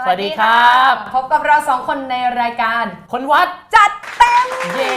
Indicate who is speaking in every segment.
Speaker 1: สวัสดีครับ
Speaker 2: พบกับเราสองคนในรายการ
Speaker 1: คนวัด
Speaker 2: จัดเต็ม
Speaker 1: เย้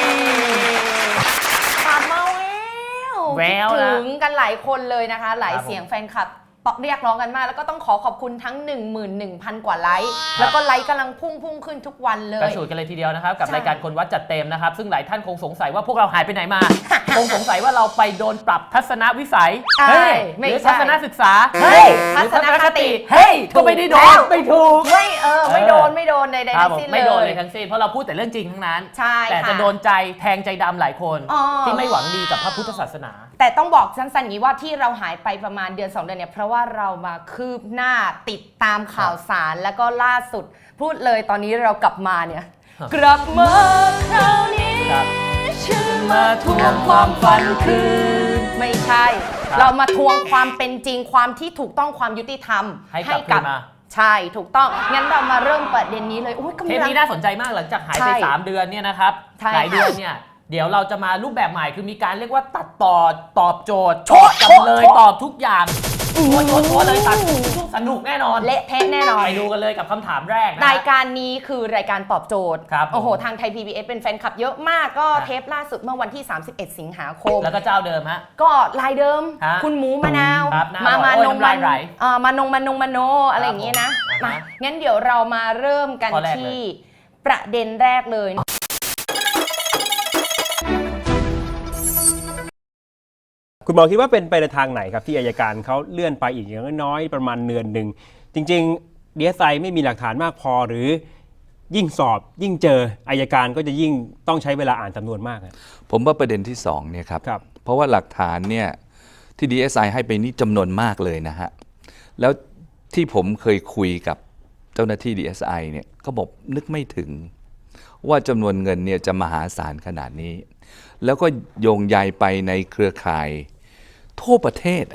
Speaker 2: กลับมา
Speaker 1: แวว
Speaker 2: ถึงกันหลายคนเลยนะคะหลายเสียงแฟนคลับเรียกร้องกันมากแล้วก็ต้องขอบคุณทั้ง 11,000 กว่าไลค์แล้วก็ไลค์กำลังพุ่งขึ้นทุกวันเลย
Speaker 1: กระฉูดกันเลยทีเดียวนะครับกับรายการคนวัดจัดเต็มนะครับซึ่งหลายท่านคงสงสัยว่าพวกเราหายไปไหนมา คงสงสัยว่าเราไปโดนปรับทัศนวิสัยหรือทัศนศึกษา
Speaker 2: ทัศนคติ
Speaker 1: ก็ไม่ได้โดนไม่ถูก
Speaker 2: ไม่โดนใดๆทั้งสิ้นเลย
Speaker 1: ไม่โดนเลยทั้งสิ้นเพราะเราพูดแต่เรื่องจริงทั้งนั้นแต่จะโดนใจแทงใจดำหลายคนที่ไม่หวังดีกับพระพุทธศาสนา
Speaker 2: แต่ต้องบอกสั้นๆอย่างนี้ว่าที่เราหายไปประมาณเดือน2 เดือนเนี่ยเพราะว่าเรามาคืบหน้าติดตามข่าวสารแล้วก็ล่าสุดพูดเลยตอนนี้เรากลับมาเนี่ยกลับมาคราวนี้ฉันมาทวงความฝันคืนไม่ใช่เรามาทวงความเป็นจริงความที่ถูกต้องความยุติธรรม
Speaker 1: ให้กับ
Speaker 2: ใช่ถูกต้องงั้นเรามาเริ่มประเด็นนี้เลย
Speaker 1: เทปนี้น่าสนใจมากหลังจากหายไป3 เดือนเนี่ยนะครับหลายเดือนเนี่ยเดี๋ยวเราจะมารูปแบบใหม่คือมีการเรียกว่าตัดต่อตอบโจทย์ตอบจำเลยตอบทุกอย่างโชว์เลยตัดสนุกแน่นอน
Speaker 2: เละเทะแน่นอน
Speaker 1: ไปดูกันเลยกับคำถามแรกนะ
Speaker 2: รายการนี้คือรายการตอบโจทย์
Speaker 1: ครับ
Speaker 2: โอ้โหทางไทย PBS เป็นแฟนคลับเยอะมากก็เทปล่าสุดเมื่อวันที่31 สิงหาคม
Speaker 1: แล้วก็เจ้าเดิมฮะ
Speaker 2: ก็ลายเดิมคุณหมูมะนาวมานงมันโนอะไรอย่างงี้นะมางั้นเดี๋ยวเรามาเริ่มกันที่ประเด็นแรกเลย
Speaker 3: คุณหมอคิดว่าเป็นไปในทางไหนครับที่อัยการเขาเลื่อนไปอีกอย่างน้อยประมาณเดือนหนึ่งจริงๆ DSI ไม่มีหลักฐานมากพอหรือยิ่งสอบยิ่งเจออัยการก็จะยิ่งต้องใช้เวลาอ่านสำนวนมาก
Speaker 4: ผมว่าประเด็นที่2เนี่ยครับเพราะว่าหลักฐานเนี่ยที่ DSI ให้ไปนี่จำนวนมากเลยนะฮะแล้วที่ผมเคยคุยกับเจ้าหน้าที่ DSI เนี่ยเขาบอกนึกไม่ถึงว่าจำนวนเงินเนี่ยจะมหาศาลขนาดนี้แล้วก็โยงใยไปในเครือข่ายทั่วประเทศ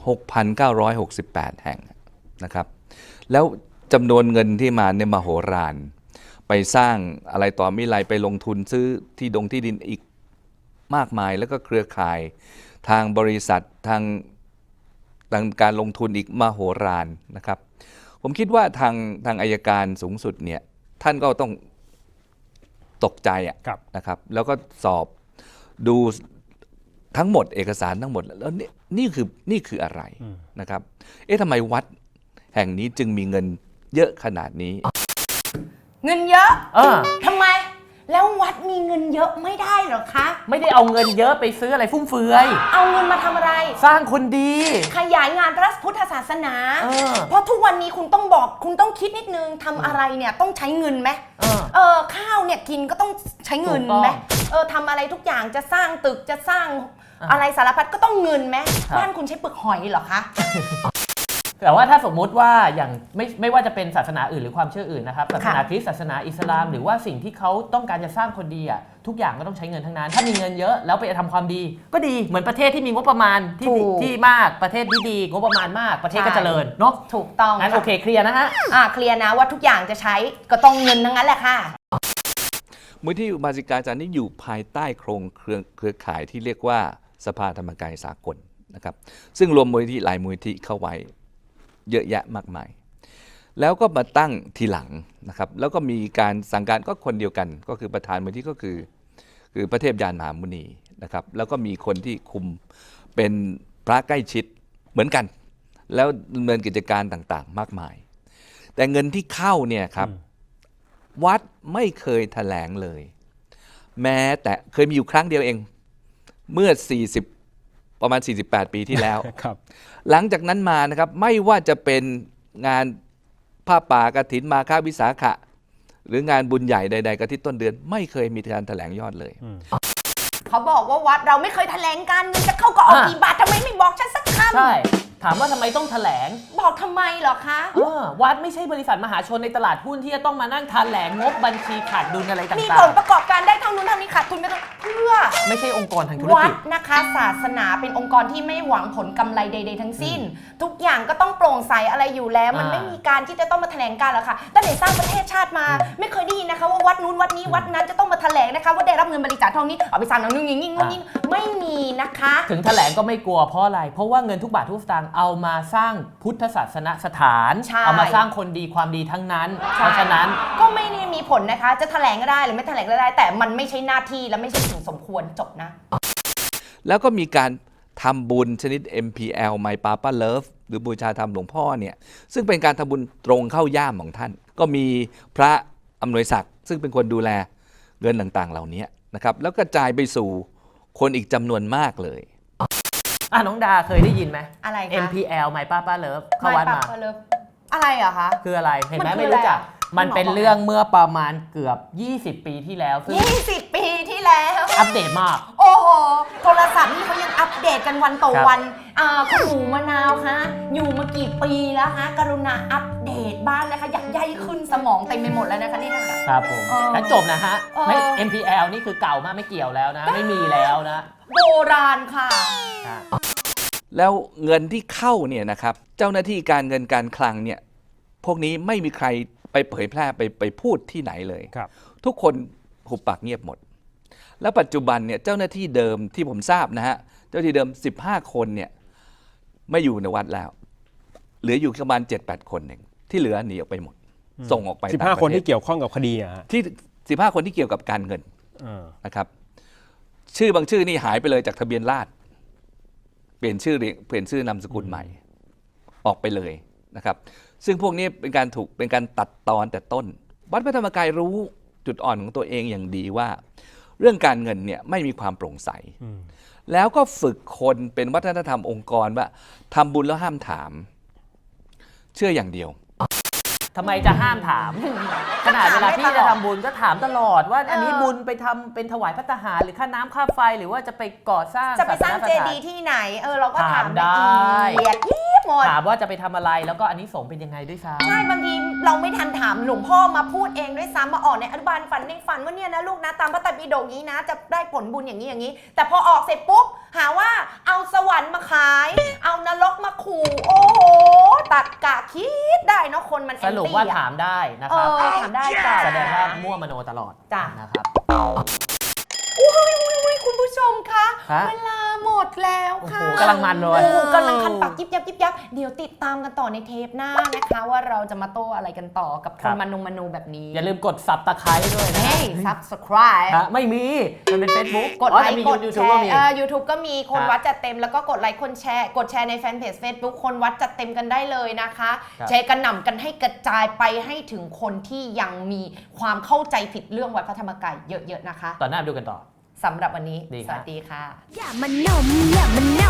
Speaker 4: 6,968 แห่งนะครับแล้วจำนวนเงินที่มาเนี่ยมโหฬารไปสร้างอะไรต่อมิไรไปลงทุนซื้อที่ดินอีกมากมายแล้วก็เครือข่ายทางบริษัททางการลงทุนอีกมโหฬารนะครับผมคิดว่าทางอัยการสูงสุดเนี่ยท่านก็ต้องตกใจนะครับแล้วก็สอบดูทั้งหมดเอกสารทั้งหมดแล้วนี่คืออะไรนะครับทำไมวัดแห่งนี้จึงมีเงินเยอะขนาดนี้
Speaker 2: เงินเยอะทำไมแล้ววัดมีเงินเยอะไม่ได้หรอคะ
Speaker 1: ไม่ได้เอาเงินเยอะไปซื้ออะไรฟุ่มเฟือย
Speaker 2: เอาเงินมาทำอะไร
Speaker 1: สร้างคนดี
Speaker 2: ขยายงานพระพุทธศาสนาเพราะทุกวันนี้คุณต้องคิดนิดนึงทำอะไรเนี่ยต้องใช้เงินไหมข้าวเนี่ยกินก็ต้องใช้เงินไหมทำอะไรทุกอย่างจะสร้างตึกจะสร้างอะไรสารพัดก็ต้องเงินไหมบ้านคุณใช้เปลือกหอยเหรอคะ
Speaker 1: แต่ว่าถ้าสมมุติว่าอย่างไม่ว่าจะเป็นศาสนาอื่นหรือความเชื่ออื่นนะครับศาสนาคริสต์ศาสนาอิสลามหรือว่าสิ่งที่เขาต้องการจะสร้างคนดีอ่ะทุกอย่างก็ต้องใช้เงินทั้งนั้นถ้ามีเงินเยอะแล้วไปทำความดีก็ดีเหมือนประเทศที่มีงบประมาณที่มากประเทศดีงบประมาณมากประเทศก็เจริญเนาะ
Speaker 2: ถูกต้อง
Speaker 1: งั้นโอเคเคลียร์นะฮะ
Speaker 2: เคลียร์นะว่าทุกอย่างจะใช้ก็ต้องเงินทั้งนั้นแหละค่ะ
Speaker 4: มูลที่อุบาสิกาจารย์นี่อยู่ภายใต้โครงเครือข่ายที่เรียกว่าสภาธรรมกายสากลนะครับซึ่งรวมมูลที่หลายมูลที่เข้าไว้เยอะแยะมากมายแล้วก็มาตั้งทีหลังนะครับแล้วก็มีการสั่งการก็คนเดียวกันก็คือประธานมูลที่ก็คือพระเทพยานมหามุนีนะครับแล้วก็มีคนที่คุมเป็นพระใกล้ชิดเหมือนกันแล้วดำเนินกิจการต่างๆมากมายแต่เงินที่เข้าเนี่ยครับวัดไม่เคยแถลงเลยแม้แต่เคยมีอยู่ครั้งเดียวเองเมื่อประมาณ48 ปีที่แล้วหลังจากนั้นมานะครับไม่ว่าจะเป็นงานผ้าป่ากฐินมาฆวิสาขะหรืองานบุญใหญ่ใดๆกระที่ต้นเดือนไม่เคยมีการแถลงยอดเลย
Speaker 2: เขาบอกว่าวัดเราไม่เคยแถลงการเงินจะเข้าก็ออกกี่บาททำไมไม่บอกฉันสักคำ
Speaker 1: ใช่ถามว่าทำไมต้องแถลง
Speaker 2: บอกทำไมเหรอคะ
Speaker 1: วัดไม่ใช่บริษัทมหาชนในตลาดหุ้นที่จะต้องมานั่งแถลงงบบัญชีขาดดุลอะไรต่างๆ
Speaker 2: มีผลประกอบการได้เท่านู้นเท่านี้ขาดทุนไม่ต้องเพื่อ
Speaker 1: ไม่ใช่องค์กรทางธุรกิจ
Speaker 2: วัดนะคะศาสนาเป็นองค์กรที่ไม่หวังผลกำไรใดๆทั้งสิ้นทุกอย่างก็ต้องโปร่งใสอะไรอยู่แล้วมันไม่มีการที่จะต้องมาแถลงการหรอกค่ะตั้งแต่สร้างประเทศชาติมาไม่เคยได้ยินนะคะว่าวัดนู้นวัดนี้วัดนั้นจะต้องมาแถลงนะคะว่าได้รับเงินบริจาคเท่านี้เอาไปสร้างหนังนึงอย่างนี้ไม่มีนะคะ
Speaker 1: ถึงแถลงก็ไม่กลัวเพราะอะไรเพราะว่าเงินทุกบาททุกสตางค์เอามาสร้างพุทธศาสนสถาน
Speaker 2: ใช่
Speaker 1: เอามาสร้างคนดีความดีทั้งนั้น เพราะฉะนั้น
Speaker 2: ก็ไม่ได้มีผลนะคะ จะแถลงก็ได้หรือไม่แถลงก็ได้ แต่มันไม่ใช่หน้าที่และไม่ใช่สิ่งสมควรจบนะ
Speaker 4: แล้วก็มีการทำบุญชนิด MPL My Papa Love หรือบูชาธรรมหลวงพ่อเนี่ยซึ่งเป็นการทำบุญตรงเข้าย่ามของท่าน ก็มีพระอำนวยศักดิ์ซึ่งเป็นคนดูแลเงินต่างๆเหล่านี้นะครับแล้วกระจายไปสู่คนอีกจำนวนมากเลย
Speaker 1: น้องดาเคยได้ยินไหม
Speaker 2: อะไรคะ
Speaker 1: MPL My Papa Love เข้าวัดมา
Speaker 2: เลิฟอะไรอะคะ
Speaker 1: คืออะไรเห็นไหม
Speaker 2: มันคือ
Speaker 1: ไม่รู้จัก
Speaker 2: อะไรอะ
Speaker 1: มันเป็นเรื่องเมื่อประมาณเกือบ 20 ปีที่แล้วซึ่ง
Speaker 2: 20 ปีที่แล้ว
Speaker 1: อัปเดตมาก
Speaker 2: โอ้โห โทรศัพท์นี่เขายังอัปเดตกันวันต่อวันคุณหมูมะนาวคะอยู่มากี่ปีแล้วคะกรุณาอัปเดตบ้านนะคะอยากใยขึ้นสมองเต็มไปหมดแล้วนะคะนี่ค่ะ
Speaker 1: ครับผม แล้วจบนะฮะ
Speaker 2: เออ
Speaker 1: ไม่ MPL นี่คือเก่ามากไม่เกี่ยวแล้วนะ ไม่มีแล้วนะ
Speaker 2: โบราณค่ะ
Speaker 4: แล้วเงินที่เข้าเนี่ยนะครับเจ้าหน้าที่การเงินการคลังเนี่ยพวกนี้ไม่มีใครไปเผยแพร่ไปพูดที่ไหนเลย
Speaker 3: ครับ
Speaker 4: ทุกคนหุบปากเงียบหมด แล้วปัจจุบันเนี่ยเจ้าหน้าที่เดิมที่ผมทราบนะฮะเจ้าหน้าที่เดิม15 คนเนี่ยไม่อยู่ในวัดแล้ว เหลืออยู่ประมาณ 7-8 คนเองที่เหลือหนีออกไปหมด ส่งออกไปต่างประเทศ
Speaker 3: 15 คนที่เกี่ยวข้องกับคดีอะฮะ
Speaker 4: ที่15 คนที่เกี่ยวกับการเงิน
Speaker 3: อ่า
Speaker 4: นะครับชื่อบางชื่อนี่หายไปเลยจากทะเบียนราษฎร์เปลี่ยนชื่อนามสกุลใหม่ ออกไปเลยนะครับซึ่งพวกนี้เป็นการตัดตอนแต่ต้นวัดพระธรรมกายรู้จุดอ่อนของตัวเองอย่างดีว่า เรื่องการเงินเนี่ยไม่มีความโปร่งใส แล้วก็ฝึกคนเป็นวัฒนธรรมองค์กรว่าทำบุญแล้วห้ามถาม เชื่ออย่างเดียว
Speaker 1: ทำไมจะห้ามถาม ขนาดเวลาพี่จะทำบุญก็ถามตลอดว่าอันนี้บุญไปทำเป็นถวายพระทหารหรือค่าน้ำค่าไฟหรือว่าจะไปก่อสร้าง
Speaker 2: จะไปสร้าง
Speaker 1: ศ
Speaker 2: เจ
Speaker 1: สนสถาน
Speaker 2: ดีย์ที่ไหนเราก็ถาม
Speaker 1: ถามได้
Speaker 2: ละเอียดยิบหมด
Speaker 1: ถามว่าจะไปทำอะไรแล้วก็อันนี้สงส์เป็นยังไงด้วยซ้ำ
Speaker 2: ใช่บางทีเราไม่ทันถามหลวงพ่อมาพูดเองด้วยซ้ำมาออกในอนุบาลฝันในฝันว่าเนี่ยนะลูกนะตามพระไตรปิฎกนี้นะจะได้ผลบุญอย่างนี้อย่างนี้ แต่พอออกเสร็จปุ๊บหาว่าเอาสวรรค์มาขาย เอานรกมาขู่โอ้โหตักกะคิดได้เนาะคนมัน
Speaker 1: สรุปว่าถามได้นะครับ
Speaker 2: ถามได้จ้ะ
Speaker 1: แสดงว่ามั่วมโนตลอด
Speaker 2: จ้ะ
Speaker 1: นะครับ
Speaker 2: อุ้ยคุณผู้ชมคะ
Speaker 1: ฮะ
Speaker 2: เวลาหมดแล้วค่ะ
Speaker 1: โอ้โหกำลังมันเลย
Speaker 2: โอ้โหกำลังคันปากยิบยับยิบยับเดี๋ยวติดตามกันต่อในเทปหน้านะคะ ว่าเราจะมาโต้อะไรกันต่อกับคนมโนแบบนี้
Speaker 1: อย่าลืมกด subscribe ด้วยนะ
Speaker 2: เฮ้ย subscribe
Speaker 1: ฮะไม่มี มันเป็น Facebook
Speaker 2: กดไลค์
Speaker 1: มี
Speaker 2: กด
Speaker 1: YouTube
Speaker 2: แช
Speaker 1: ก็
Speaker 2: ร์
Speaker 1: มี
Speaker 2: YouTube ก็มีคน
Speaker 1: ฮะ
Speaker 2: วัดจัดเต็มแล้วก็กดไลค์คนแชร์กดแชร์ในแฟนเพจ Facebook คนวัดจัดเต็มกันได้เลยนะคะ
Speaker 1: ครับ
Speaker 2: แชร์กันหน่ำกันให้กระจายไปให้ถึงคนที่ยังมีความเข้าใจผิดเรื่องวัดพระธรรมกายเยอะๆนะคะ
Speaker 1: ต่อหน้าไปดูกันต่อ
Speaker 2: สำหรับวันนี้
Speaker 1: ดี
Speaker 2: ส
Speaker 1: ครับ
Speaker 2: วัสดีค่ะ
Speaker 5: อย่ามันนมอย่ามันน